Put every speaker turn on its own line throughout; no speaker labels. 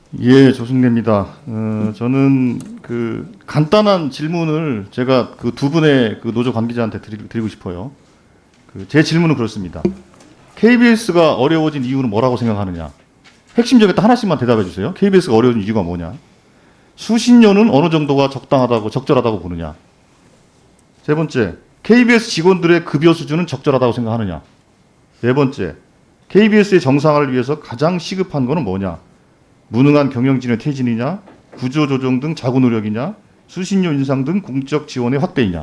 예, 조승래입니다. 저는 그 간단한 질문을 제가 그 두 분의 그 노조 관계자한테 드리고 싶어요. 제 질문은 그렇습니다. KBS가 어려워진 이유는 뭐라고 생각하느냐? 핵심적인 딱 하나씩만 대답해 주세요. KBS가 어려워진 이유가 뭐냐? 수신료는 어느 정도가 적당하다고 적절하다고 보느냐? 세 번째, KBS 직원들의 급여 수준은 적절하다고 생각하느냐? 네 번째, KBS의 정상화를 위해서 가장 시급한 거는 뭐냐? 무능한 경영진의 퇴진이냐, 구조조정 등 자구 노력이냐, 수신료 인상 등 공적 지원의 확대이냐.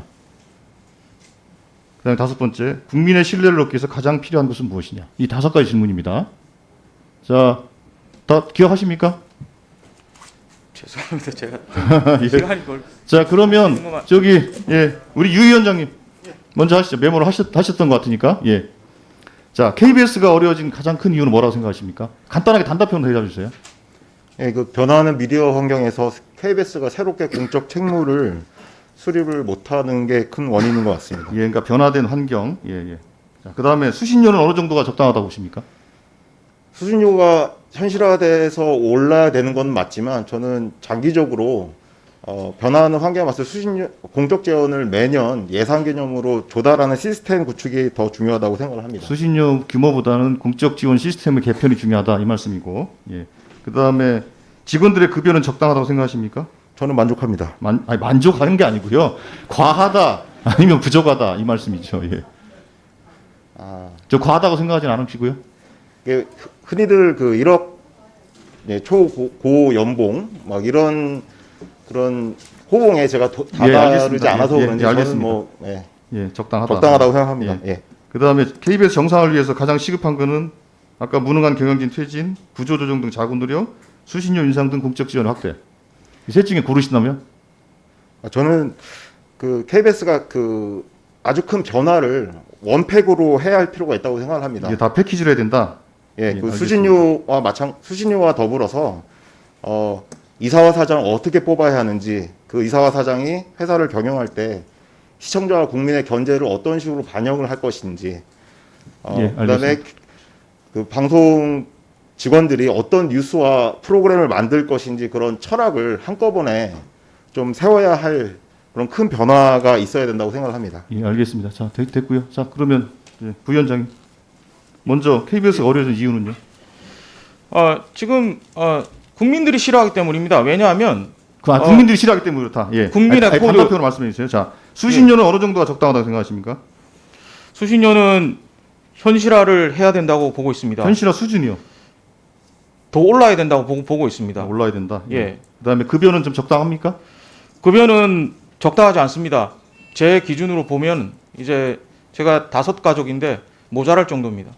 그다음에 다섯 번째, 국민의 신뢰를 얻기 위해서 가장 필요한 것은 무엇이냐. 이 다섯 가지 질문입니다. 자, 다 기억하십니까?
죄송합니다. 제가
예.
시간이 걸.
자, 그러면 저기 우리 유 위원장님 먼저 하시죠. 메모를 하셨던 것 같으니까. 예. 자, KBS가 어려워진 가장 큰 이유는 뭐라고 생각하십니까? 간단하게 단답형으로 대답해 주세요.
예, 그 변화하는 미디어 환경에서 KBS가 새롭게 공적 책무를 수립을 못하는 게 큰 원인인 것 같습니다.
예, 그러니까 변화된 환경. 예, 예. 자, 그다음에 수신료는 어느 정도가 적당하다고 보십니까?
수신료가 현실화돼서 올라야 되는 건 맞지만 저는 장기적으로 변화하는 환경에 맞서 수신료 공적 지원을 매년 예산 개념으로 조달하는 시스템 구축이 더 중요하다고 생각을 합니다.
수신료 규모보다는 공적 지원 시스템의 개편이 중요하다 이 말씀이고. 예. 그다음에 직원들의 급여는 적당하다고 생각하십니까?
저는 만족합니다.
아니, 만족하는 게 아니고요. 과하다 아니면 부족하다 이 말씀이죠. 예. 저 과하다고 생각하진 않으시고요.
이게 흔히들 그 1억 초고 연봉 막 이런 그런 호봉에 제가 다다르지
알겠습니다.
않아서
예,
그런지
예,
저는
알겠습니다.
뭐
예, 적당하다.
적당하다고 생각합니다.
예.
예.
그다음에 KBS 정상화를 위해서 가장 시급한 거는 아까 무능한 경영진 퇴진, 구조조정 등 자구 노력, 수신료 인상 등 공적 지원 확대. 이 셋 중에 고르신다면?
저는 그 KBS가 그 아주 큰 변화를 원팩으로 해야 할 필요가 있다고 생각을 합니다.
이게 다 패키지로 해야 된다.
예, 그
알겠습니다.
수신료와 더불어서 이사와 사장 어떻게 뽑아야 하는지, 그 이사와 사장이 회사를 경영할 때 시청자와 국민의 견제를 어떤 식으로 반영을 할 것인지,
예,
그다음에
알겠습니다.
그 방송 직원들이 어떤 뉴스와 프로그램을 만들 것인지 그런 철학을 한꺼번에 좀 세워야 할 그런 큰 변화가 있어야 된다고 생각합니다.
예, 알겠습니다. 자, 됐고요. 자, 그러면 부위원장님 먼저 KBS가 어려워진 이유는요?
지금 국민들이 싫어하기 때문입니다. 왜냐하면
국민들이 싫어하기 때문에 그렇다. 예.
국민의 코드
단답형으로 말씀해 주세요. 자, 수신료는 어느 정도가 적당하다고 생각하십니까?
수신료는 현실화를 해야 된다고 보고 있습니다.
현실화 수준이요.
더 올라야 된다고 보고 있습니다.
올라야 된다.
예.
그다음에 급여는 좀 적당합니까?
급여는 적당하지 않습니다. 제 기준으로 보면 이제 제가 5가족인데 모자랄 정도입니다.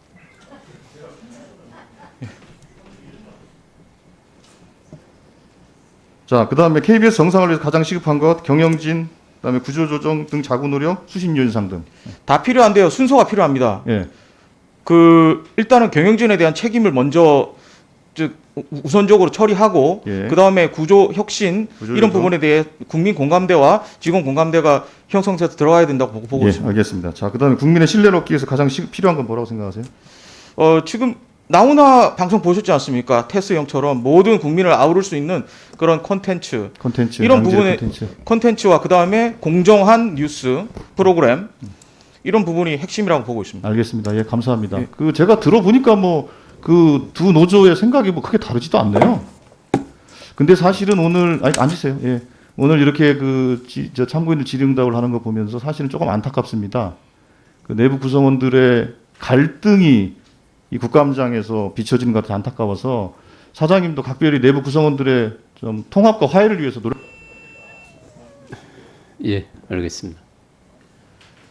자, 그다음에 KBS 정상을 위해서 가장 시급한 것 경영진, 그다음에 구조조정 등 자구 노력, 수신료 인상 등.
다 필요한데요. 순서가 필요합니다.
예.
일단은 경영진에 대한 책임을 먼저 우선적으로 처리하고
예.
그다음에 구조 혁신
구조
이런
조정.
부분에 대해 국민 공감대와 직원 공감대가 형성돼서 들어가야 된다고 보고
예,
있습니다.
알겠습니다. 자, 그다음에 국민의 신뢰를 얻기 위해서 가장 필요한 건 뭐라고 생각하세요?
지금 나훈아 방송 보셨지 않습니까? 테스형처럼 모든 국민을 아우를 수 있는 그런 콘텐츠 이런 부분의 콘텐츠와 그다음에 공정한 뉴스 프로그램 이런 부분이 핵심이라고 보고 있습니다.
알겠습니다. 예, 감사합니다.
예.
제가 들어보니까 뭐 그 두 노조의 생각이 뭐 크게 다르지도 않네요. 근데 사실은 오늘 앉으세요. 예. 오늘 이렇게 저 참고인들 질의응답을 하는 거 보면서 사실은 조금 안타깝습니다. 그 내부 구성원들의 갈등이 이 국감장에서 비춰지는 것 같아 안타까워서 사장님도 각별히 내부 구성원들의 좀 통합과 화해를 위해서 노력.
예, 알겠습니다.